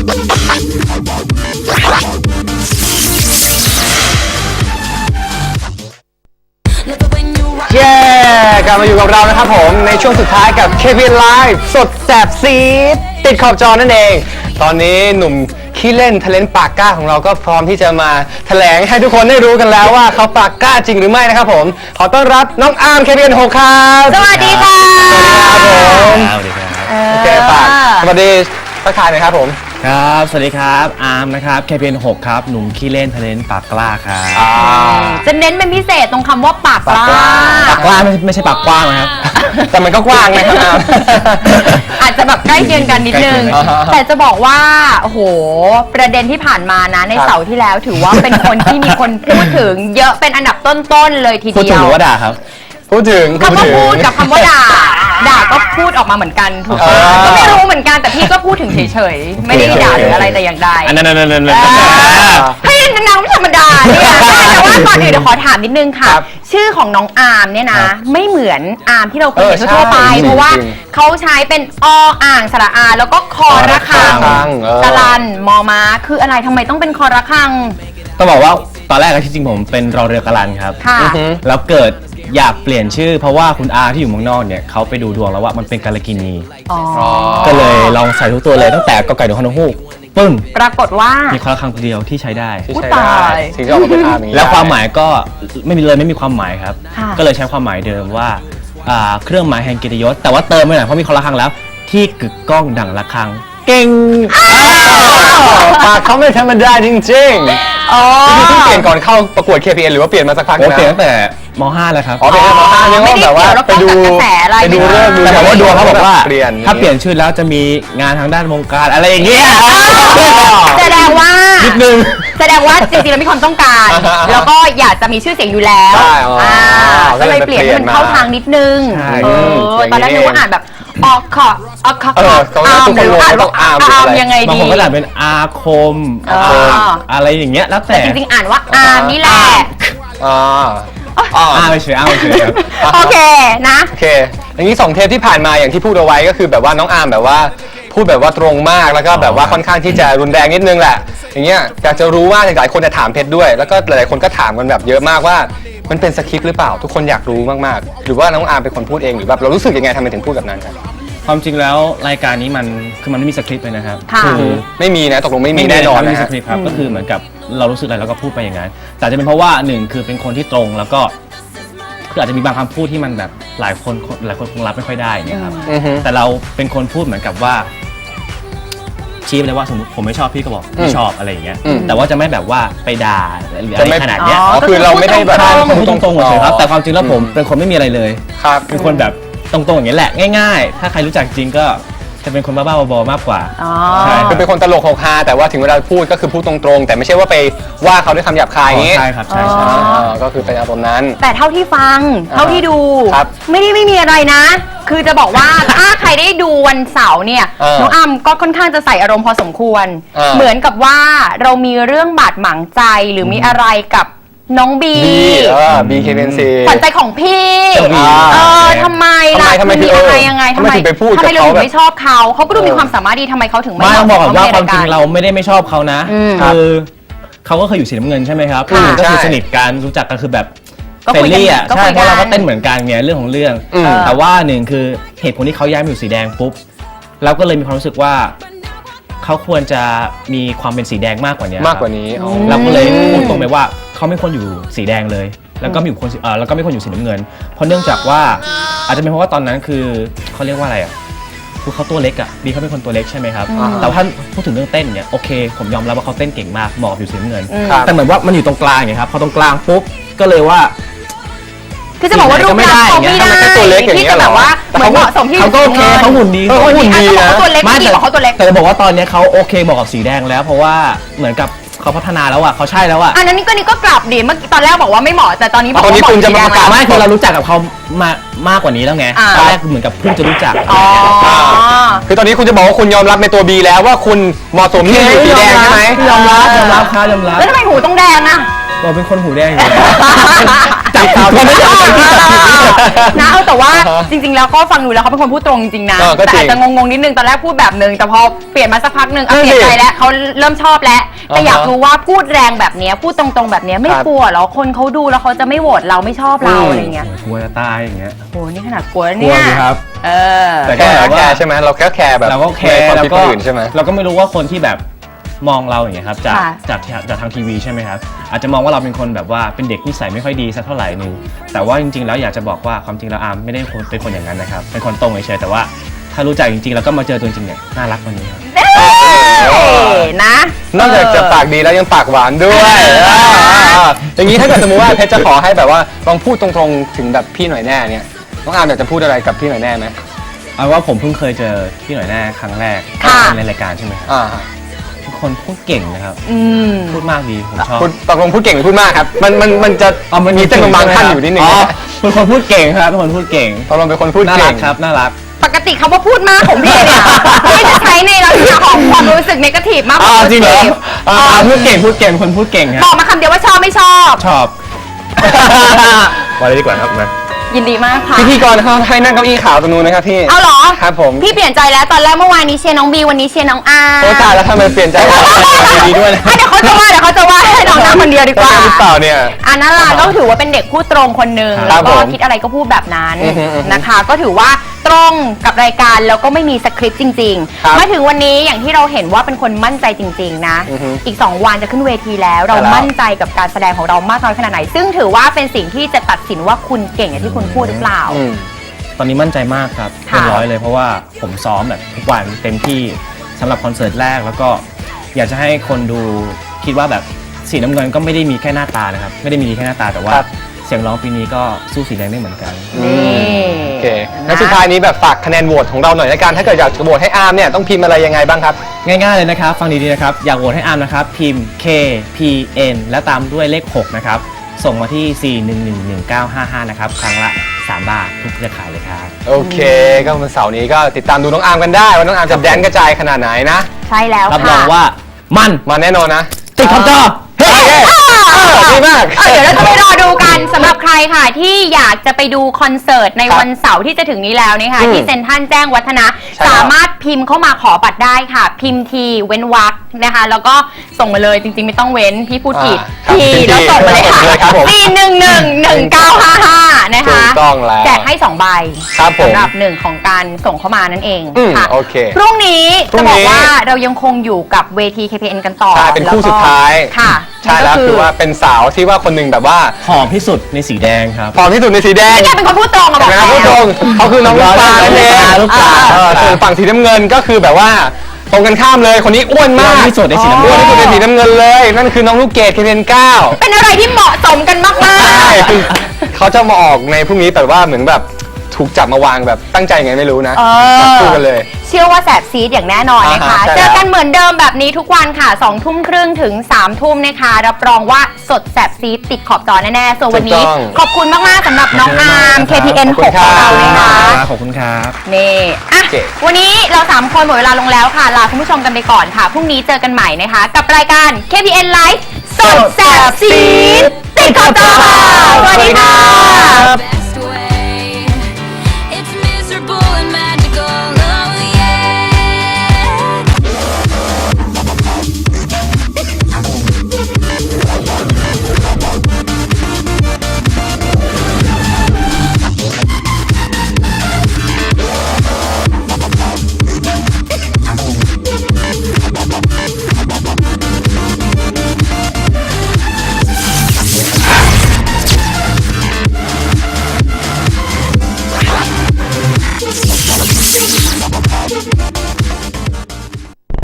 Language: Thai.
เย้กลับมาอยู่กับเรานะครับผมในช่วงสุดท้ายกับ KPN Live สดแสบซีดติดขอบจอนั่นเองตอนนี้หนุ่มขี้เล่นทะเลนปากกล้าของเราก็พร้อมที่จะมาแถลงให้ทุกคนได้รู้กันแล้วว่าเขาปากกล้าจริงหรือไม่นะครับผมขอต้อนรับน้องอาร์ม KPN 6ครับสวัสดีค่ะสวัสดีครับผมโอเคปากสวัสดีทักทายหน่อยครับผมครับสวัสดีครับอาร์มนะครับ KPN 6ครับหนุ่มขี้เล่นทะเลนปากกล้าครับจะเน้นเป็นพิเศษตรงคำว่าปากกล้าปากกล้าไม่ใช่ปากกว้างนะครับแต่มันก็กว้างนะครับอาจจะแบบใกล้เคียงกันนิดนึงแต่จะบอกว่าโอ้โหประเด็นที่ผ่านมานะในเสาร์ที่แล้วถือว่าเป็นคนที่มีคนพูดถึงเยอะเป็นอันดับต้นๆเลยทีเดียวพูดถึงหรือว่าด่าครับพูดถึงคำว่าพูดกับคำว่าด่าก็พูดออกมาเหมือนกันถูกไหมก็ไม่รู้เหมือนกันแต่พี่ก็พูดถึงเฉยๆไม่ได้ด่าหรืออะไรแต่อย่างใดนั่นให้นางไม่ธรรมดาเนี่ยแต่ว่าก่อนอื่นเดี๋ยวขอถามนิดนึงค่ะชื่อของน้องอาร์มเนี่ยนะไม่เหมือนอาร์มที่เราเคยเห็นทั่วไปเพราะว่าเขาใช้เป็นออ่างสระอาแล้วก็คอระฆังกะลันมอม้าคืออะไรทำไมต้องเป็นคอระฆังต้องบอกว่าตอนแรกที่จริงผมเป็นรอเรือกะลันครับแล้วเกิดอยากเปลี่ยนชื่อเพราะว่าคุณอาที่อยู่เมืองนอกเนี่ยเขาไปดูดวงแล้วว่ามันเป็นกาลกินีก็เลยลองใส่ทุกตัวเลยตั้งแต่กอไก่ถึงฮอนกฮูกปึ้งปรากฏว่ามีคอระฆังตัวเดียวที่ใช้ได้สิ่งที่ออกมาเป็นอาร์มแล้วความหมายก็ไม่มีความหมายครับก็เลยใช้ความหมายเดิมว่าเครื่องหมายแห่งเกียรติยศแต่ว่าเติมไปหน่อยเพราะมีคอระฆังแล้วที่กึกก้องดั่งระฆังเก่งปากเขาไม่ธรรมดาจริงๆนี่เพิ่งเปลี่ยนก่อนเข้าประกวด KPN หรือว่าเปลี่ยนมาสักพักแล้วเปลี่ยนตั้งแต่ม.5 แล้วครับเปลี่ยนม.5 เนี่ยว่าแบบว่าไปดูเรื่องดูแต่ว่าดวงเขาบอกว่าถ้าเปลี่ยนชื่อแล้วจะมีงานทางด้านวงการอะไรอย่างเงี้ยแสดงว่านิดนึงแสดงว่าจริงๆแล้วมีความต้องการแล้วก็อยากจะมีชื่อเสียงอยู่แล้วก็เลยเปลี่ยนให้มันเข้าทางนิดนึงตอนแรกนึกว่าอ่านแบบออกขออาร์มหรืออ่านว่าอาร์มยังไงดีบางคนก็อ่านเป็นอาคมอะไรอย่างเงี้ยแล้วแต่จริงๆอ่านว่าอาร์มนี่แหละไม่เฉยครับโอเคนะโอเคอย่างนี้2 เทปที่ผ่านมาอย่างที่พูดเอาไว้ก็คือแบบว่าน้องอาร์มแบบว่าพูดแบบว่าตรงมากแล้วก็แบบว่าค่อนข้างที่จะรุนแรงนิดนึงแหละอย่างเงี้ยอยากจะรู้ว่าหลายคนจะถามเพชรด้วยแล้วก็หลายๆคนก็ถามกันแบบเยอะมากว่ามันเป็นสคริปต์หรือเปล่าทุกคนอยากรู้มากๆหรือว่าน้องอาร์มเป็นคนพูดเองหรือแบบเรารู้สึกยังไงทำไมถึงพูดแบบนั้นครับความจริงแล้วรายการนี้มันไม่มีสคริปต์เลยนะครับคือไม่มีนะตกลงไม่มีแน่นอนนะไม่มีสคริปต์ครับก็คือเหมือนกับเรารู้สึกอะไรเราก็พูดไปอย่างนั้นแต่จะเป็นเพราะว่า1คือเป็นคนที่ตรงแล้วก็คืออาจจะมีบางคำพูดที่มันแบบหลายคนคงรับไม่ค่อยได้อย่างเงี้ยครับแต่เราเป็นคนพูดเหมือนกับว่าชี้ไปเลยว่าสมมติผมไม่ชอบพี่ก็บอกไม่ชอบอะไรอย่างเงี้ยแต่ว่าจะไม่แบบว่าไปด่าหรืออะไรขนาดเนี้ยคือเราไม่ได้แบบพูดตรงๆเลยครับแต่ความจริงแล้วผมเป็นคนไม่มีอะไรเลยเป็นคนแบบตรงๆอย่างนี้แหละง่ายๆถ้าใครรู้จักจริงก็จะเป็นคนบ้าๆบอๆมากกว่าใช่คือเป็นคนตลกหกฮาแต่ว่าถึงเวลาพูดก็คือพูดตรงๆแต่ไม่ใช่ว่าไปว่าเขาด้วยคำหยาบคายอย่างนี้ใช่ครับใช่ก็คือเป็นอารมณ์นั้นแต่เท่าที่ฟังเท่าที่ดูไม่มีอะไรนะคือจะบอกว่าถ้าใครได้ดูวันเสาร์เนี่ยน้องอ้ำก็ค่อนข้างจะใส่อารมณ์พอสมควรเหมือนกับว่าเรามีเรื่องบาดหมางใจหรือมีอะไรกับน้องบี KPN ขวัญใจของพี่ทำไมล่ะมีอะไรยังไงทำไมเราถึงไม่ชอบเขาก็ดูมีความสามารถดีทำไมเขาถึงไม่บอกว่าความจริงเราไม่ชอบเขานะคือเขาก็เคยอยู่สีน้ำเงินใช่ไหมครับก็คือสนิทกันรู้จักกันคือแบบเฟรนลี่อ่ะใช่เพราะเราก็เต้นเหมือนกันไงเรื่องของเรื่องแต่ว่า1คือเหตุผลที่เขาย้ายมาอยู่สีแดงปุ๊บเราก็เลยมีความรู้สึกว่าเขาควรจะมีความเป็นสีแดงมากกว่านี้เราก็เลยพูดตรงไปว่าเขาไม่ควรอยู่สีแดงเลยแล้วก็ไม่ควรอยู่สีน้ำเงินเพราะเนื่องจากว่าอาจจะเป็นเพราะว่าตอนนั้นคือเขาเรียกว่าอะไรอ่ะคือเขาตัวเล็กอ่ะบีเขาเป็นคนตัวเล็กใช่ไหมครับแต่ถ้าพูดถึงเรื่องเต้นเนี่ยโอเคผมยอมรับว่าเขาเต้นเก่งมากเหมาะอยู่สีน้ำเงินแต่เหมือนว่ามันอยู่ตรงกลางไงครับพอตรงกลางปุ๊บก็เลยว่าคือจะบอกว่ารูปร่างเขาไม่ได้ที่จะแบบว่าเหมือนเหมาะสมที่เขาก็โอเคเขาหุ่นดีนะตัวเล็กไม่บอกเขาตัวเล็กแต่จะบอกว่าตอนนี้เขาโอเคเหมาะกับสีแดงแล้วเพราะว่าเหมือนกับเขาพัฒนาแล้วอ่ะเขาใช่แล้วอ่ะอันนี้ก็กลับดิเมื่อตอนแรกบอกว่าไม่เหมาะแต่ตอนนี้บอกว่าคุณจะมาประกาศไม่คือเรารู้จักกับเขามากกว่านี้แล้วไงตอนแรกเหมือนกับเพิ่งจะรู้จักคือตอนนี้คุณจะบอกว่าคุณยอมรับในตัวบีแล้วว่าคุณเหมาะสมที่อยู่สีแดงใช่ไหมยอมรับครับแล้วทำไมหูต้องแดงอ่ะเราเป็นคนหูแดงอยู่แล้วจับตาไม่ได้นะแต่ว่าจริงๆแล้วก็ฟังดูแล้วเขาเป็นคนพูดตรงจริงๆนะแต่อาจจะงงๆนิดนึงตอนแรกพูดแบบนึงแต่พอเปลี่ยนมาสักพักนึงเปลี่ยนใจแล้วเขาเริ่มชอบแล้วแต่อยากรู้ว่าพูดแรงแบบนี้พูดตรงๆแบบนี้ไม่กลัวหรอคนเขาดูแล้วเขาจะไม่โหวตเราไม่ชอบเราอะไรเงี้ยกลัวจะตายอย่างเงี้ยโหนี่ขนาดกลัวกลัเนี่วย สิครับแต่แค่ใช่ไหมเราแค่แคร์แบบเราก็แคร์ความแล้วคิดก็คนอื่นใช่ไหมเราก็ไม่รู้ว่าคนที่แบบมองเราอย่างเงี้ยครับจากค่ะทางทีวีใช่ไหมครับอาจจะมองว่าเราเป็นคนแบบว่าเป็นเด็กนิสัยไม่ค่อยดีสักเท่าไหร่นึงแต่ว่าจริงๆแล้วอยากจะบอกว่าความจริงแล้วอาร์มไม่ได้เป็นคนอย่างนั้นนะครับเป็นคนตรงเฉยๆแต่ว่าถ้ารู้จักจริงๆแล้วก็มาเจอตัวจริงเนี่ยน่ารักกว่านี้ครับนะนอกจากจะปากดีแล้วยังปากหวานด้วยอย่างนี้ถ้าเกิดสมมติว่าเพชรจะขอให้แบบว่าลองพูดตรงๆถึงแบบพี่หน่อยแน่เนี่ยน้องอาร์มอยากจะพูดอะไรกับพี่หน่อยแน่ไหมเอาว่าผมเพิ่งเคยเจอพี่หน่อยแน่ครั้งแรกค่ะในรายการใช่ไหมครับอ่าทุกคนพูดเก่งนะครับมพูดมากดีผมชอบพูดตกลงพูดเก่งหรือพูดมากครับมันจะมีเส้นบางๆขั้นอยู่นิดนึงเป็นคนพูดเก่งครับเป็นคนพูดเก่งตกลงเป็นคนพูดน่าเก่รังกครับน่ารักปกติคำว่าพูดมากของพี่เนี่ยพี่จะใช้ในลักษณะของความรู้สึกเนกาทีฟมากกว่าจริงเหรอ positive พูดเก่งคนพูดเก่งครับบอกมาคำเดียวว่าชอบไม่ชอบชอบมาเลยดีกว่าครับมายินดีมากค่ะพิธีกรเขาให้นั่งเก้าอี้ขาวตรงนู้นนะครับพี่เอาเหรอครับผมพี่เปลี่ยนใจแล้วตอนแรกเมื่อวานนี้เชียร์น้องบีวันนี้เชียร์น้องอาร์โอ้ตายแล้วทำไมเปลี่ยนใจดีด้วยนะเดี๋ยวเขาจะว่าให้น้องนั่งคนเดียวดีกว่าหรือเปล่าเนี่ยอันนั้นล่ะก็ถือว่าเป็นเด็กพูดตรงคนหนึ่งครัแล้บวก็ผมคิดอะไรก็พูดแบบนั้นอือฮึอือฮึนะคะ ก็ถือว่าตรงกับรายการแล้วก็ไม่มีสคริปต์จริงครับๆมาถึงวันนี้อย่างที่เราเห็นว่าเป็นคนมั่นใจจริง ๆ นะอือฮึอีก 2 วันจะขึ้นเวทีแล้ว เราใช่แล้วมั่นใจกับการแสดงของเรามากน้อยขนาดไหน ซึ่งถือว่าเป็นสิ่งที่จะตัดสินว่าคุณเก่งอย่างที่คุณพูดหรือเปล่าอืมตอนนี้มั่นใจมากครับค่ะเต็มร้อยเลยเพราะว่าผมซ้อมแบบทุกวันเต็มที่สำหรับคอนเสิร์ตแรกแล้วก็อยากจะให้คนดูคิดว่าแบบสีน้ำเงินก็ไม่ได้มีแค่หน้าตานะครับไม่ได้มีดีแค่หน้าตาแต่ว่าครับเสียงร้องปีนี้ก็สู้สีแดงได้เหมือนกันนี่โอเคงั้นสุดท้ายนี้แบบฝากคะแนนโหวตของเราหน่อยละกันถ้าเกิดอยากจะโหวตให้อาร์มเนี่ยต้องพิมพ์อะไรยังไงบ้างครับง่ายๆเลยนะครับ ฟังดีๆนะครับ อยากโหวตให้อาร์มนะครับ พิมพ์ K P N และตามด้วยเลข 6 นะครับ ส่งมาที่ 4111955 นะครับ ครั้งละ 3 บาททุกเครือข่ายเลยครับโอเค ก็วันเสาร์นี้ก็ติดตามดูน้องอาร์มกันได้ว่าน้องอาร์มจะแดนกระจายขนาดไหนนะใช่แล้วรับรค่ะองว่ามันมาแน่นอนนะติดขอบจอเฮ้ยดีมากเดี๋ยวเราจะไปรอดูกันสำหรับใครค่ะที่อยากจะไปดูคอนเสิร์ตในวันเสาร์ที่จะถึงนี้แล้วนะคะอืมที่เซ็นทรัลแจ้งวัฒนะใช่แล้วสามารถพิมพ์เข้ามาขอบัตรได้ค่ะ พิมพ์ทีเว้นวรรคนะคะ แล้วก็ส่งมาเลยจริงๆไม่ต้องเว้นพี่พูดผิดครับทีแล้วส่งมาเลยค่ะครับผม 4111955นะคะถูกต้องแล้วแจกให้2ใบครับผมสำหรับหนึ่งของการส่งเข้ามานั่นเองอืมค่ะโอเคพรุ่งนี้พรุ่จะงนี้บอกว่าเรายังคงอยู่กับเวที KPN กันต่อใช่เป็นคู่แล้ก็สุดท้ายค่ะใช่แล้วนั่นก็คือว่าเป็นสาวที่ว่าคนหนึ่งแบบว่าหอมที่สุดในสีแดงครับผอมที่สุดในสีแดงนี่แกเป็นคนพูดตรงอะบอกนะครับแล้วผู้ชมเขาคือน้องลูกปลานั่นเองลูกปลาส่วนฝั่งสีน้ำเงินก็คือแบบว่าตรงกันข้ามเลยคนนี้อ้วนมากอ้วนที่สุดในสีน้ำเงินอ้วนที่สุดในสีน้ำเงินเลย นั่นคือน้องลูกเกดเคเทน9 เป็นอะไรที่เหมาะสมกันมากใช่ๆคือเขาจะมาออกในพรุ่งนี้แต่ว่าเหมือนแบบถูกจับมาวางแบบตั้งใจไงไม่รู้นะเออจับคู่กันเลยเชื่อว่าแสบซีดอย่างแน่นอนนะคะใช่แล้วเจอกันเหมือนเดิมแบบนี้ทุกวันค่ะ2 ทุ่มครึ่งถึง3 ทุ่มนะคะ รับรองว่าสดแสบซีดติดขอบจอแน่ๆ ส่วนวันนี้ถูกต้องขอบคุณมากๆสำหรับน้องอาร์ม KPN ขอบคุณ 6 คขรัอบ งเรานะคะขอบคุณครับนี่อ่ะโอเควันนี้เรา 3 คนหมดเวลาลงแล้วค่ะ ลาคุณผู้ชมกันไปก่อนค่ะ พรุ่งนี้เจอกันใหม่นะคะ กับรายการ KPN Live สดแสบซีดติดขอบจอค่ะ สวัสดีค่ะ best way. It's miserable and magical. Oh yeah.